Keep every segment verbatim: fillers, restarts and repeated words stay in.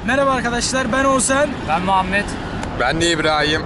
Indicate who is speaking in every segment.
Speaker 1: Merhaba arkadaşlar, ben Oğuzhan.
Speaker 2: Ben Muhammed.
Speaker 3: Ben de İbrahim.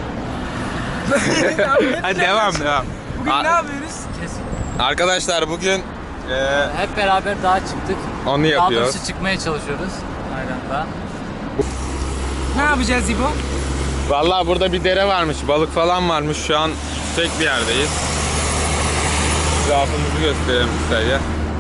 Speaker 3: Hadi devam devam.
Speaker 1: Bugün
Speaker 3: A-
Speaker 1: ne yapıyoruz?
Speaker 2: Kesin.
Speaker 3: Arkadaşlar bugün e,
Speaker 2: Hep beraber dağa çıktık.
Speaker 3: onu
Speaker 2: Daha
Speaker 3: yapıyoruz.
Speaker 2: doğrusu çıkmaya çalışıyoruz. Aynen.
Speaker 1: Ne yapacağız İbo?
Speaker 3: Vallahi burada bir dere varmış, balık falan varmış. Şu an tek bir yerdeyiz. Etrafımızı gösterelim kısaca.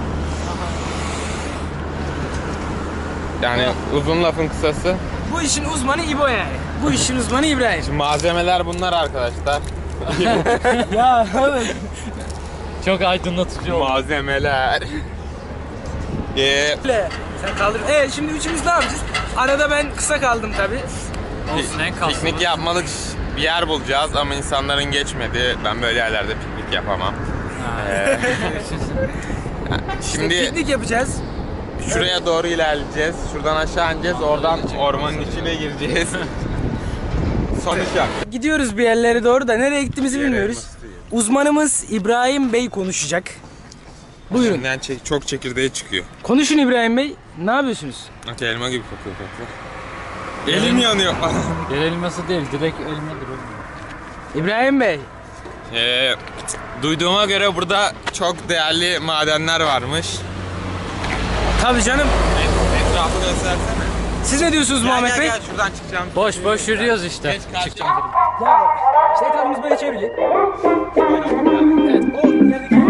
Speaker 3: Yani uzun lafın kısası.
Speaker 1: Bu işin uzmanı İbo yani. Bu işin uzmanı İbrahim.
Speaker 3: Şimdi malzemeler bunlar arkadaşlar.
Speaker 1: Ya evet.
Speaker 2: Çok aydınlatıcı oldu.
Speaker 3: Malzemeler. Ee,
Speaker 1: Sen kaldır. Evet, şimdi üçümüz ne yapacağız? Arada ben kısa kaldım tabii.
Speaker 2: Olsun, en kalsın.
Speaker 3: piknik yapmalık bir yer bulacağız ama insanların geçmedi. Ben böyle yerlerde piknik yapamam. Ee,
Speaker 1: Şimdi
Speaker 3: şimdi
Speaker 1: piknik yapacağız.
Speaker 3: şuraya doğru ilerleyeceğiz. Şuradan aşağı ineceğiz. Oradan ormanın içine gireceğiz. Sonuç yok.
Speaker 1: Gidiyoruz bir yerlere doğru da nereye gittiğimizi bilmiyoruz. Uzmanımız İbrahim Bey konuşacak. Buyurun.
Speaker 3: Şimdiden çek, çok çekirdeği çıkıyor.
Speaker 1: Konuşun İbrahim Bey. Ne yapıyorsunuz?
Speaker 3: Bak elma gibi kokuyor kokuyor. Elim yanıyor.
Speaker 2: Yer elması değil, direkt elmadır oğlum.
Speaker 1: İbrahim Bey.
Speaker 3: ee, duyduğuma göre burada çok değerli madenler varmış.
Speaker 1: Tabii canım.
Speaker 3: Et, etrafı göstersene.
Speaker 1: Siz ne diyorsunuz Muhammed
Speaker 3: gel,
Speaker 1: Bey?
Speaker 3: gel şuradan çıkacağım.
Speaker 2: Boş boş yürüyoruz işte.
Speaker 3: Geç karşıya.
Speaker 1: Ya işte etrafımız böyle çevrili. Evet, o ilerideki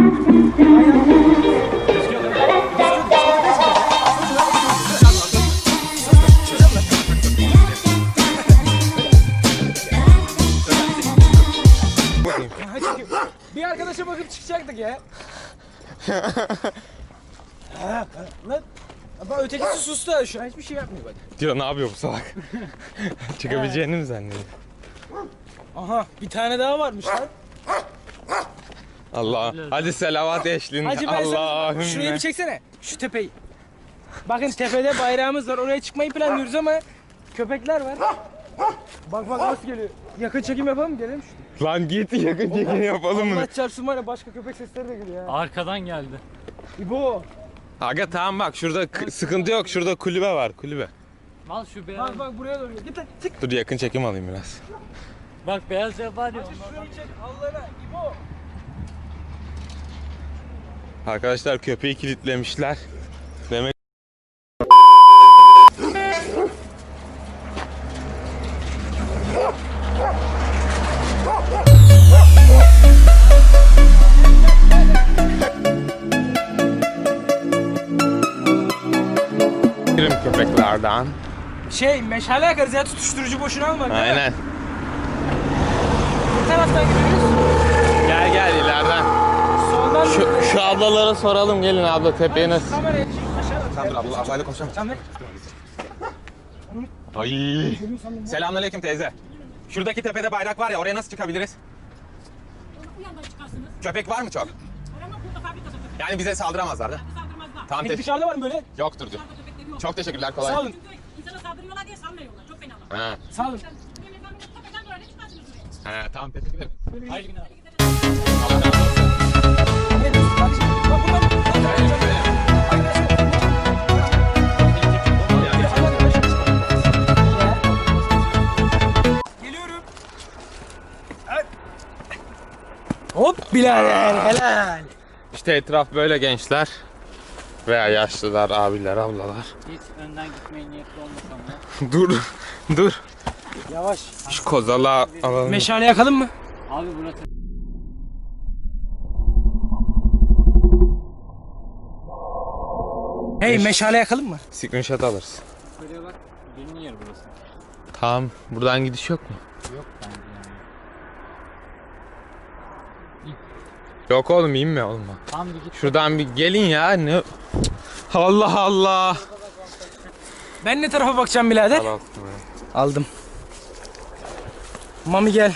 Speaker 1: bir arkadaşa bakıp çıkacaktık ya. Ha, lan bak ötekisi sustu ha, şu an hiçbir şey yapmıyor bak.
Speaker 3: Diyor ne yapıyor bu salak? Çıkabileceğini mi zannediyor?
Speaker 1: Aha bir tane daha varmış lan.
Speaker 3: Allah. Hadi selavat eşliğinde.
Speaker 1: Hacı ben sana
Speaker 3: Allah'ım.
Speaker 1: şurayı bir çeksene. Şu tepeyi. Bakın tepede bayrağımız var. Oraya çıkmayı planlıyoruz ama köpekler var. Bak bak nasıl geliyor. Yakın çekim yapalım mı? Gelelim şu.
Speaker 3: Lan git yakın çekim yapalım mı?
Speaker 1: Allah çarpsın var ya, başka köpek sesleri de geliyor ya.
Speaker 2: Arkadan geldi.
Speaker 1: İbo.
Speaker 3: Aga tamam bak şurada k- sıkıntı yok. Şurada kulübe var kulübe.
Speaker 2: Al şu beyaz.
Speaker 1: Bak bak buraya doğru. Git lan çık.
Speaker 3: Dur yakın çekim alayım biraz.
Speaker 2: Bak beyaz ev var ya.
Speaker 1: Şurayı çek Allah'ına İbo.
Speaker 3: Arkadaşlar köpeği kilitlemişler. Demek köpeklerden.
Speaker 1: Şey meşale yakarız ya, tutuşturucu boşuna alma.
Speaker 3: Aynen.
Speaker 1: Bu taraftan gidiyoruz.
Speaker 3: Gel gel ileriden.
Speaker 1: Soldan
Speaker 3: Şu, şu ablalara soralım, gelin abla tepeye nasıl?
Speaker 1: kamerayı çek aşağıda.
Speaker 3: Tamam abla, ablayla konuşalım.
Speaker 1: Tamam.
Speaker 3: Ay. Selamünaleyküm teyze. Şuradaki tepede bayrak var ya, oraya nasıl çıkabiliriz?
Speaker 4: Bu yandan çıkarsınız.
Speaker 3: Köpek var mı çok?
Speaker 4: Arama burada fabrikada köpek
Speaker 3: Yani bize saldıramazlar da.
Speaker 4: saldırmazlar.
Speaker 3: Tamam
Speaker 1: Peki
Speaker 3: te-
Speaker 1: dışarıda var mı böyle?
Speaker 3: yoktur diyor.
Speaker 4: Dışarıda köpekleri yok.
Speaker 3: Çok teşekkürler, kolay.
Speaker 1: Sağ olun.
Speaker 4: Çünkü insana saldırıyorlar diye salmıyorlar. Çok fenalar.
Speaker 3: Ha.
Speaker 1: Sağ olun.
Speaker 4: Benim efendim tepeden böyle çıkarsınız buraya.
Speaker 3: He, tamam teşekkür ederim.
Speaker 2: Hayırlı günler.
Speaker 3: Allah razı olsun.
Speaker 1: Ne diyorsun kardeşim? Bak bunlar. Geliyorum. Evet. Hop birader helal.
Speaker 3: İşte etraf böyle gençler. Veya yaşlılar, abiler, ablalar.
Speaker 2: Hiç önden gitmeye niyetli olmasam da.
Speaker 3: dur, dur.
Speaker 1: Yavaş.
Speaker 3: Şu kozala alalım.
Speaker 1: Meşale yakalım mı?
Speaker 2: Abi burası.
Speaker 1: Hey meşale yakalım mı?
Speaker 3: Screenshot alırız.
Speaker 2: Şuraya bak. Benim yer burası.
Speaker 3: Tamam, buradan gidiş yok mu?
Speaker 2: Yok bence yani.
Speaker 3: Yok oğlum, inme olma.
Speaker 2: Tam bir git.
Speaker 3: Şuradan bir gelin ya. Ne? Allah Allah.
Speaker 1: Ben ne tarafa bakacağım birader?
Speaker 3: Al,
Speaker 1: Aldım. Mami gel.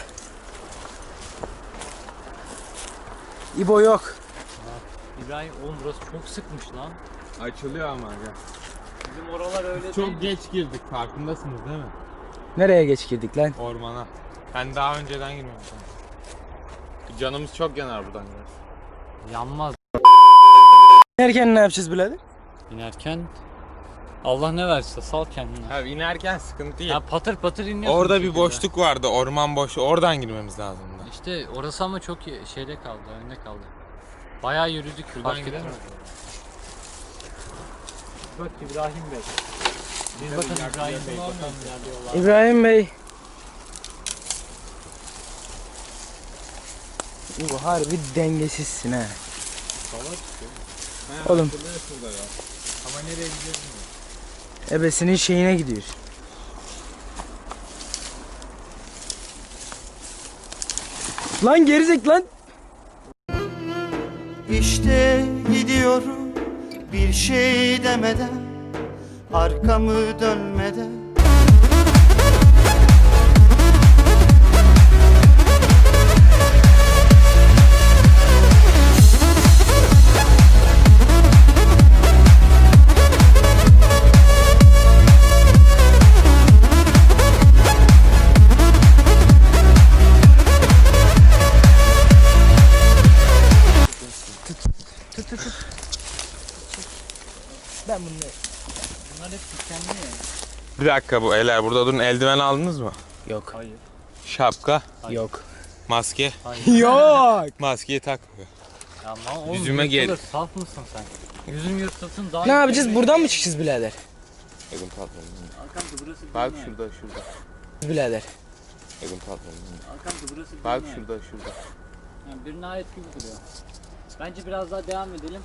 Speaker 1: İbo yok.
Speaker 2: İbrahim oğlum burası çok sıkmış lan.
Speaker 3: Açılıyor ama ya.
Speaker 2: Bizim oralar öyle değil.
Speaker 3: Çok geç girdik, farkındasınız değil mi?
Speaker 1: Nereye geç girdik lan?
Speaker 3: Ormana. Ben daha önceden girmemiştim. Canımız çok yanar buradan gidersin.
Speaker 2: Yanmaz.
Speaker 1: İnerken ne yapacağız birader?
Speaker 2: İnerken Allah ne verse sal kendini.
Speaker 3: Abi inerken sıkıntı
Speaker 2: Ya
Speaker 3: yok.
Speaker 2: patır patır iniyorsun.
Speaker 3: Orada bir
Speaker 2: şekilde.
Speaker 3: boşluk vardı, orman boşluğu. Oradan girmemiz lazımdı.
Speaker 2: İşte orası ama çok iyi- şeyde kaldı, önde kaldı. Bayağı yürüdük.
Speaker 3: Şuradan
Speaker 2: fark
Speaker 3: gidelim
Speaker 2: ettim.
Speaker 3: mi?
Speaker 2: Bak İbrahim Bey. Biz bakın İbrahim Bey. Bakalım ilerliyorlar.
Speaker 1: İbrahim Bey. Bu harbi dengesizsin ha. Oğlum.
Speaker 3: Ama nereye gidiyoruz?
Speaker 1: Ebesinin şeyine gidiyor. Lan gerizek lan.
Speaker 5: İşte gidiyorum bir şey demeden, arkamı dönmeden.
Speaker 1: Ben bunu
Speaker 2: Bunlar hep dikenli ya.
Speaker 3: Bir dakika bu eller burada durun. Eldiven aldınız mı?
Speaker 1: yok.
Speaker 2: Hayır.
Speaker 3: Şapka,
Speaker 1: Yok.
Speaker 3: maske.
Speaker 1: Yok.
Speaker 3: Maskeyi tak.
Speaker 2: Ya ama oğlum
Speaker 3: Yüzüme
Speaker 2: yırtılır,
Speaker 3: gel.
Speaker 2: Saf mısın sen? Yüzün yırtılsın daha
Speaker 1: Ne yapacağız? Buradan mı çıkacağız birader?
Speaker 3: Elim patladı.
Speaker 2: Arkamda burası
Speaker 3: Bak
Speaker 2: bilmem.
Speaker 3: şurada şurada.
Speaker 1: Birader.
Speaker 3: Elim patladı.
Speaker 2: Arkamda burası
Speaker 3: Bak
Speaker 2: bilmem.
Speaker 3: şurada şurada.
Speaker 2: Yani birine ait gibi duruyor. Bence biraz daha devam edelim.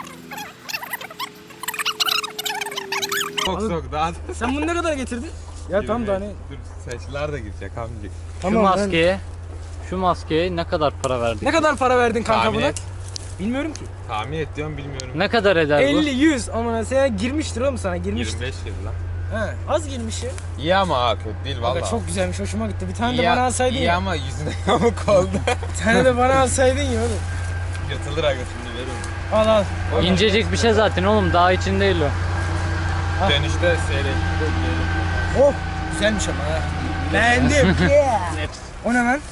Speaker 3: Sok sok daha da.
Speaker 1: Sen bunu ne kadar getirdin? Ya tam da hani.
Speaker 3: Dur saçlar da girecek amcık.
Speaker 2: Şu
Speaker 1: Tamam lan.
Speaker 2: maskeye, şu maskeye ne kadar para verdik?
Speaker 1: Ne kadar para verdin kanka
Speaker 3: Tahmin
Speaker 1: buna?
Speaker 3: et.
Speaker 1: Bilmiyorum ki.
Speaker 3: Tahmin et diyorum bilmiyorum.
Speaker 2: Ne kadar eder bu?
Speaker 1: elli yüz ama sen girmiştir oğlum sana girmiştir.
Speaker 3: yirmi beş yıl lan.
Speaker 1: He, az girmiş ya.
Speaker 3: İyi ama ha kötü değil
Speaker 1: Valla.
Speaker 3: valla.
Speaker 1: Çok güzelmiş hoşuma gitti. Bir tane
Speaker 3: iyi,
Speaker 1: de bana alsaydın
Speaker 3: iyi
Speaker 1: ya.
Speaker 3: ama yüzüne yamuk oldu.
Speaker 1: Bir tane de bana alsaydın ya oğlum.
Speaker 3: Yatılır aga şimdi veririm.
Speaker 1: Al al. al.
Speaker 2: İncecik bir şey zaten oğlum, daha için değil o.
Speaker 3: Dönüşte seyredip
Speaker 1: Oh güzelmiş ama ha. Beğendim. Yeah. O ne lan?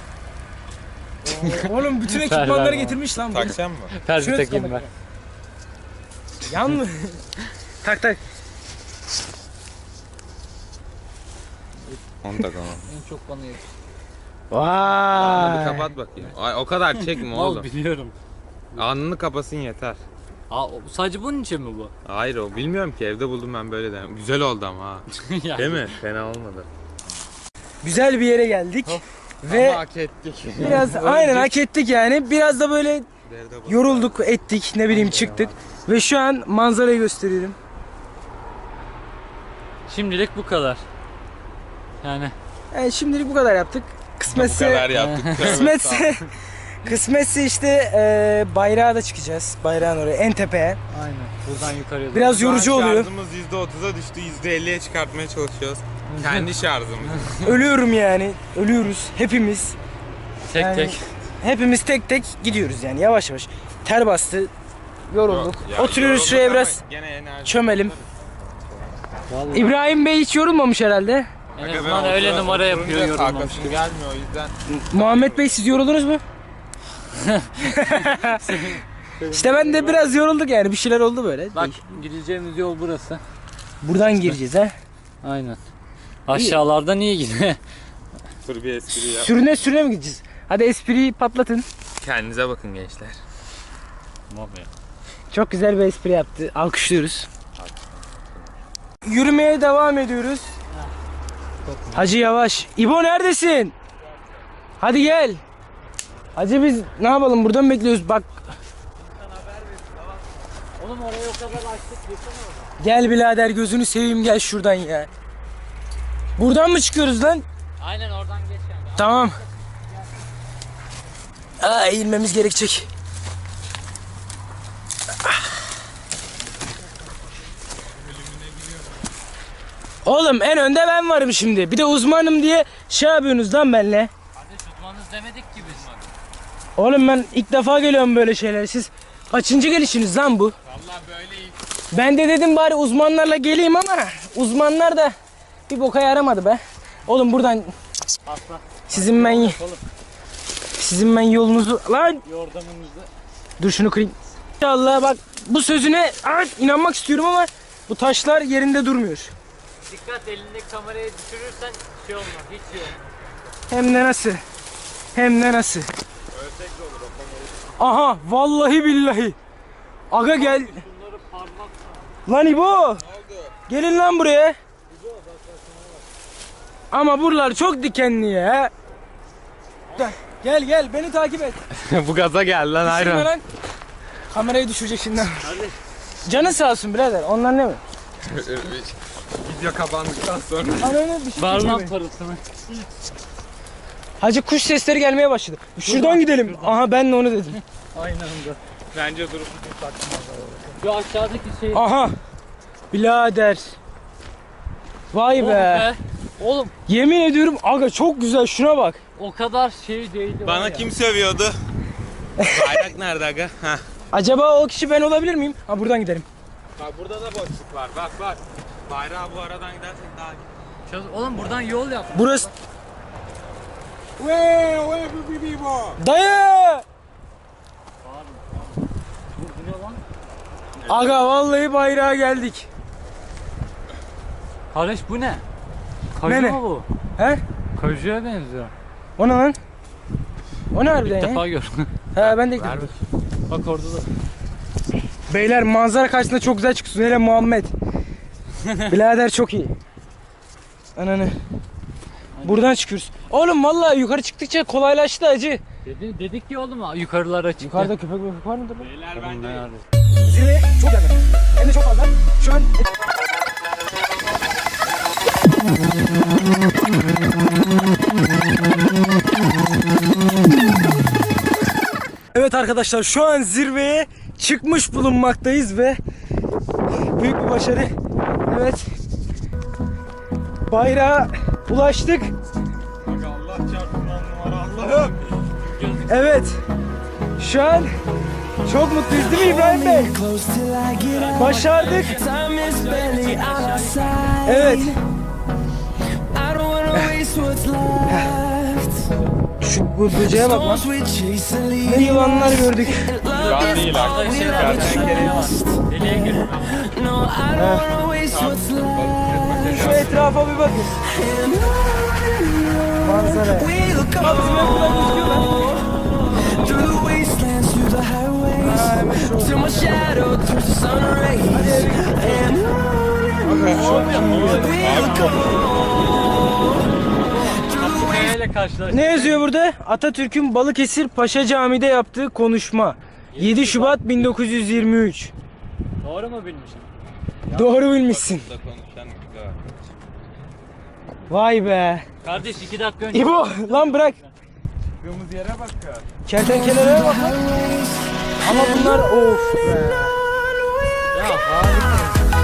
Speaker 1: Oo, oğlum bütün ekipmanları
Speaker 2: Ver, ver
Speaker 1: getirmiş lan bu.
Speaker 3: takacağım mı?
Speaker 2: Terzi
Speaker 1: Şunu
Speaker 2: takayım
Speaker 1: tıklamak
Speaker 2: ben.
Speaker 1: Yan mı? tak tak.
Speaker 3: Onu takamam.
Speaker 2: En çok bana yakıştı.
Speaker 3: Alnını
Speaker 1: Vay.
Speaker 3: kapat bakayım. Ay, o kadar çekme
Speaker 2: Mal
Speaker 3: oğlum.
Speaker 2: biliyorum.
Speaker 3: Alnını kapasın yeter.
Speaker 2: Aa, o- sadece bunun için mi bu?
Speaker 3: Hayır o bilmiyorum ki evde buldum ben böyle de. Güzel oldu ama ha.
Speaker 2: Yani.
Speaker 3: Değil mi? Fena olmadı.
Speaker 1: Güzel bir yere geldik. Ve
Speaker 3: Ama hak ettik.
Speaker 1: biraz aynen hak ettik yani. Biraz da böyle yorulduk, ettik, ne bileyim çıktık. Ve şu an manzarayı gösteriyorum.
Speaker 2: Şimdilik bu kadar. Yani
Speaker 1: Yani şimdilik bu kadar yaptık.
Speaker 3: Bu
Speaker 1: Kısmetse
Speaker 3: kadar yaptık.
Speaker 1: kısmetse kısmetse işte e, bayrağa da çıkacağız. Bayrağın oraya en tepeye.
Speaker 2: aynen. Buradan yukarıya doğru.
Speaker 1: Biraz yorucu oluyor.
Speaker 3: Şarjımız yüzde otuza düştü. yüzde elliye çıkartmaya çalışıyoruz. Kendi şarjımız.
Speaker 1: Ölüyorum yani. Ölüyoruz hepimiz.
Speaker 2: tek
Speaker 1: yani-
Speaker 2: tek.
Speaker 1: Hepimiz tek tek gidiyoruz yani yavaş yavaş. Ter bastı. Yorulduk.
Speaker 3: Ya,
Speaker 1: Oturuyoruz
Speaker 3: yorulduk
Speaker 1: şuraya
Speaker 3: ama
Speaker 1: biraz
Speaker 3: gene enerji.
Speaker 1: çömelim.
Speaker 2: Vallahi.
Speaker 1: İbrahim Bey hiç yorulmamış herhalde.
Speaker 2: En
Speaker 3: Aga ben
Speaker 2: azından öyle
Speaker 3: otura-
Speaker 2: numara
Speaker 3: oturunca
Speaker 2: yapıyor yorulmamış
Speaker 3: kalkasım
Speaker 2: gibi.
Speaker 3: gelmiyor o yüzden.
Speaker 1: Muhammed Bey siz yoruldunuz mu? İşte ben de biraz yorulduk yani bir şeyler oldu böyle.
Speaker 2: Bak gideceğimiz yol burası.
Speaker 1: Buradan gireceğiz ha.
Speaker 2: Aynen. Aşağılardan iyi gidiyor.
Speaker 3: Dur bir espri yap.
Speaker 1: Sürüne sürüne mi gideceğiz? Hadi espriyi patlatın.
Speaker 3: Kendinize bakın gençler.
Speaker 1: Çok güzel bir espri yaptı. Alkışlıyoruz. Yürümeye devam ediyoruz. Hacı yavaş. İbo neredesin? Hadi gel. Hacı biz ne yapalım buradan mı bekliyoruz? Bak
Speaker 2: Oğlum oraya o kadar açtık geçsene orada.
Speaker 1: gel birader gözünü seveyim gel şuradan ya. Buradan mı çıkıyoruz lan?
Speaker 2: Aynen oradan geç yani.
Speaker 1: Tamam. Aa, eğilmemiz gerekecek. Oğlum en önde ben varım şimdi. Bir de uzmanım diye şey yapıyorsunuz lan benimle.
Speaker 2: Kardeş uzmanız demedik ki biz.
Speaker 1: Oğlum ben ilk defa geliyorum böyle şeyler. Siz kaçıncı gelişiniz lan bu?
Speaker 3: Vallahi böyleyim.
Speaker 1: Ben de dedim bari uzmanlarla geleyim ama uzmanlar da bir boka yaramadı be. Oğlum buradan
Speaker 2: Asla.
Speaker 1: sizin ben
Speaker 2: Yapalım.
Speaker 1: sizin ben yolunuzu lan
Speaker 2: Yordamımızı.
Speaker 1: dur şunu kırayım. İnşallah bak bu sözüne evet, inanmak istiyorum ama Bu taşlar yerinde durmuyor.
Speaker 2: Dikkat, elindeki kamerayı düşürürsen şey olmaz, hiç şey olmaz.
Speaker 1: Hem de nasıl? Hem de nasıl? Aha vallahi billahi. Aga gel.
Speaker 2: Bunları parmakla.
Speaker 1: Lan İbo. Gelin lan buraya. Ama buralar çok dikenli ya. Gel gel, gel beni takip et.
Speaker 3: Bu gaza gel lan
Speaker 1: Düşürme
Speaker 3: ayran.
Speaker 1: lan. Kamerayı düşürecek şimdi. Canın sağ olsun birader. Onlar ne mi?
Speaker 3: Video kapandıktan sonra.
Speaker 1: Ananı bir şey
Speaker 2: Var
Speaker 1: geçiyor
Speaker 2: lan
Speaker 1: beni.
Speaker 2: parasını.
Speaker 1: Hacı kuş sesleri gelmeye başladı. Şuradan gidelim. Aha ben de onu dedim.
Speaker 2: Aynı anda.
Speaker 3: Bence durup
Speaker 2: Şu aşağıdaki şey.
Speaker 1: Aha. Birader. Vay
Speaker 2: Oh
Speaker 1: be.
Speaker 2: be. Oğlum
Speaker 1: Yemin ediyorum aga çok güzel, şuna bak.
Speaker 2: o kadar şey değildi. var
Speaker 3: Bana
Speaker 2: ya.
Speaker 3: kim sövüyordu? Bayrak nerede aga? Heh.
Speaker 1: Acaba o kişi ben olabilir miyim? Ha buradan gidelim.
Speaker 3: Bak burada da boşluk var. Bak bak. Bayrağı bu aradan gidersek daha iyi.
Speaker 2: Çöz- Oğlum buradan yol yap.
Speaker 1: Burası.
Speaker 3: Wey, wey bu bibi bu.
Speaker 1: Dayı!
Speaker 2: Bu, bu ne lan?
Speaker 1: Aga vallahi bayrağa geldik.
Speaker 2: Kardeş bu ne? Kaju
Speaker 1: Ne ne?
Speaker 2: mu bu?
Speaker 1: He?
Speaker 2: Kajuya benziyor.
Speaker 1: O ne lan? O ne harbiden
Speaker 2: İlk
Speaker 1: ya?
Speaker 2: defa gör.
Speaker 1: He ben de ilk defa.
Speaker 2: Bak orada da.
Speaker 1: Beyler manzara karşısında çok güzel çıkıyorsun. Hele Muhammed. Birader çok iyi. Ananı. Buradan çıkıyoruz. Oğlum vallahi yukarı çıktıkça kolaylaştı acı.
Speaker 2: Dedi, dedik ki oğlum yukarılara çıktı.
Speaker 1: Yukarıda köpek köpek var mıdır lan?
Speaker 3: Beyler
Speaker 2: Oğlum
Speaker 3: bence
Speaker 2: nerede?
Speaker 1: Zirve çok yakın. Hem de çok fazla. Şu an... Evet arkadaşlar şu an zirveye çıkmış bulunmaktayız ve büyük bir başarı. Evet. Bayrağa ulaştık.
Speaker 3: Aga Allah çarpsın on numara Allah'ım.
Speaker 1: Evet. Şu an çok mutluyuz değil mi İbrahim Bey? Başardık. Evet. Şu bu böceğe bak lan. Ne yılanlar gördük.
Speaker 3: Yılan değil aga. Kertenkele var.
Speaker 2: Deliye gir.
Speaker 1: Şu etrafa bir bakın. Manzara. Bak bizim buradan gözüküyor lan. Ha, hemen şu.
Speaker 2: Neyle karşılaştık?
Speaker 1: Ne yazıyor burada? Atatürk'ün Balıkesir Paşa Camii'de yaptığı konuşma. yedi Şubat bin dokuz yüz yirmi üç.
Speaker 2: Doğru mu bilmişim?
Speaker 1: Doğru bilmişsin.
Speaker 3: Burada konuşan güzel.
Speaker 1: Vay be.
Speaker 2: Kardeş iki dakika önce.
Speaker 1: İbo lan bırak.
Speaker 3: Çıktığımız yere bak ya.
Speaker 1: Kertenkelelere bak lan. Ama bunlar of be.
Speaker 2: Ya harika.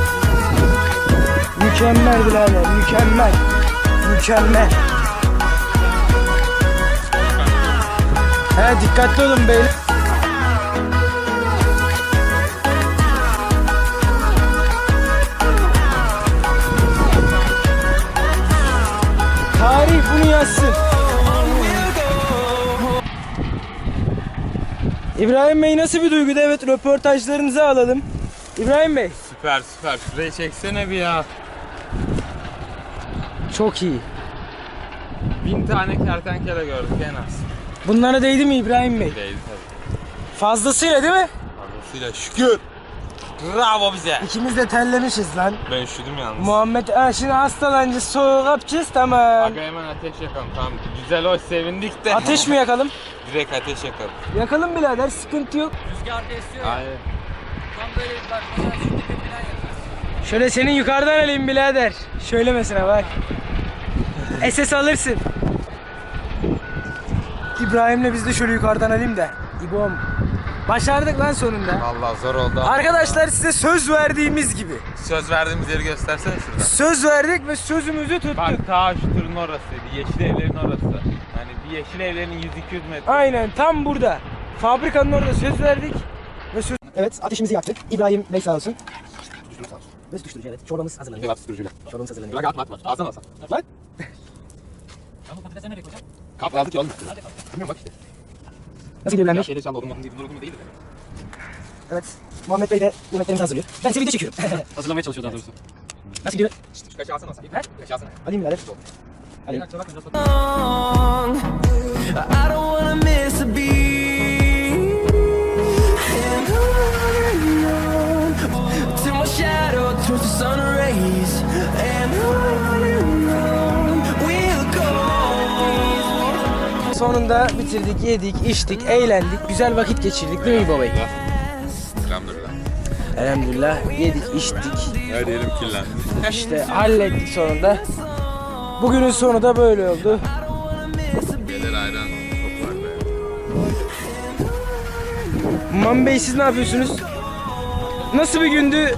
Speaker 1: Mükemmel birader, mükemmel. Mükemmel. He dikkatli olun beyler. Tarih bunu yazsın. İbrahim Bey nasıl bir duygudu? Evet röportajlarınızı alalım. İbrahim Bey.
Speaker 3: Süper süper. Şurayı çeksene bir ya.
Speaker 1: Çok iyi.
Speaker 3: Bin tane kertenkele gördük en az.
Speaker 1: Bunlara değdi mi İbrahim Bey?
Speaker 3: Değil tabii.
Speaker 1: Fazlasıyla değil mi?
Speaker 3: Fazlasıyla şükür. Bravo bize.
Speaker 1: İkimiz de terlemişiz lan.
Speaker 3: Ben üşüdüm yalnız.
Speaker 1: Muhammed ha, şimdi hastalanınca soğuk yapacağız tamam.
Speaker 3: Aga hemen ateş yakalım tamam. Güzel hoş sevindik de.
Speaker 1: Ateş mi yakalım?
Speaker 3: Direkt ateş yakalım.
Speaker 1: Yakalım birader sıkıntı yok.
Speaker 2: Rüzgar da esiyor ya.
Speaker 3: Hayır.
Speaker 2: Tam böyle bir bak. Mesela şu dibi falan yapar.
Speaker 1: Şöyle senin yukarıdan alayım birader. Şöyle mesela bak. S S alırsın. İbrahim'le biz de şöyle yukarıdan alayım da. İbom. Başardık lan sonunda.
Speaker 3: Vallahi zor oldu.
Speaker 1: Arkadaşlar size söz verdiğimiz gibi.
Speaker 3: Söz verdiğimiz yeri göstersene şuradan.
Speaker 1: Söz verdik ve sözümüzü tuttuk.
Speaker 3: Bak ta şu turun orasıydı. Yeşil evlerin orası. Yani bir yeşil evlerin yüz iki yüz metre.
Speaker 1: Aynen tam burada. Fabrikanın orada söz verdik. Ve söz... Evet ateşimizi yaktık. İbrahim Bey sağ olsun. Ve tutuşturucu evet. Çorbamız hazırlanıyor.
Speaker 3: Kebap tutucuyla.
Speaker 1: Çorbamız hazırlanıyor.
Speaker 3: Bırak atma atma. Alsana alsana.
Speaker 1: Lan.
Speaker 2: Ya bu patatesi nereye koyacağım?
Speaker 3: Kap lazım ki oğlum. Bilmiyorum bak işte.
Speaker 1: Nasıl gidiyor İbrahim Bey?
Speaker 3: Şeyde çaldı odun odun değil. Odun değil.
Speaker 1: Evet. Muhammed Bey de yemeklerimizi hazırlıyor. Ben size video çekiyorum.
Speaker 2: Hazırlamaya çalışıyor daha doğrusu.
Speaker 1: Nasıl gidiyor?
Speaker 3: Şu kaşı alsana sen.
Speaker 1: He?
Speaker 3: Kaşı alsana.
Speaker 1: Alayım birader. Alayım.
Speaker 6: I don't wanna miss a beat. And on till my shadow turns to sun rays. And on we'll go.
Speaker 1: Sonunda bitirdik, yedik, içtik, eğlendik, güzel vakit geçirdik değil mi İbo Bey?
Speaker 3: Elhamdülillah.
Speaker 1: Elhamdülillah yedik, içtik,
Speaker 3: Her yerim kirlendi.
Speaker 1: işte hallettik sonunda. Bugünün sonu da böyle oldu.
Speaker 3: Gelir ayran çok var be.
Speaker 1: Mami Bey siz ne yapıyorsunuz? Nasıl bir gündü?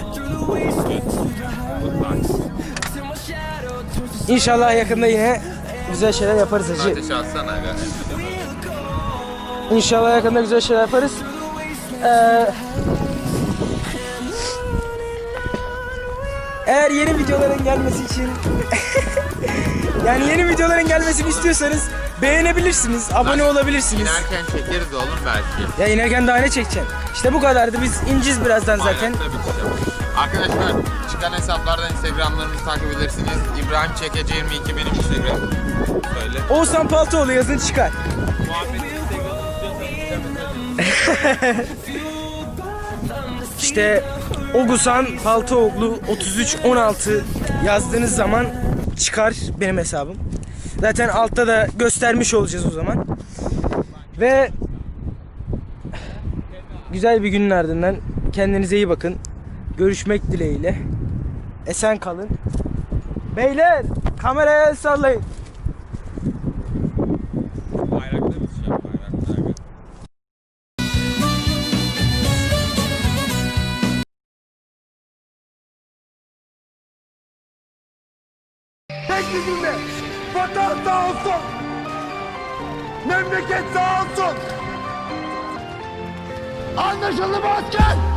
Speaker 1: İnşallah yakında yine güzel şeyler yaparız hacı.
Speaker 3: Ateşi atsana aga.
Speaker 1: İnşallah yakında güzel şeyler yaparız. Ee, eğer yeni videoların gelmesi için yani yeni videoların gelmesini istiyorsanız beğenebilirsiniz, abone olabilirsiniz.
Speaker 3: İnerken çekeriz oğlum belki.
Speaker 1: Ya inerken daha ne çekeceksin? İşte bu kadardı. Biz ineceğiz birazdan zaten.
Speaker 3: Ayakta biteceğim. Arkadaşlar çıkan hesaplardan Instagram'larımızı takip edersiniz. İbrahim Çekeci yirmi iki benim Instagram. Söyle.
Speaker 1: Oğuzhan Paltoğlu yazın çıkar. İşte Oğuzhan Paltoğlu otuz üç on altı yazdığınız zaman çıkar benim hesabım. Zaten altta da göstermiş olacağız o zaman. Ve güzel bir günün ardından kendinize iyi bakın. Görüşmek dileğiyle. Esen kalın. Beyler kameraya el sallayın.
Speaker 3: Bayrakta biteceğim. Bayrakta.
Speaker 7: Tek bir cümle. Vatan sağ olsun. Memleket sağ olsun. Anlaşıldı mı asker?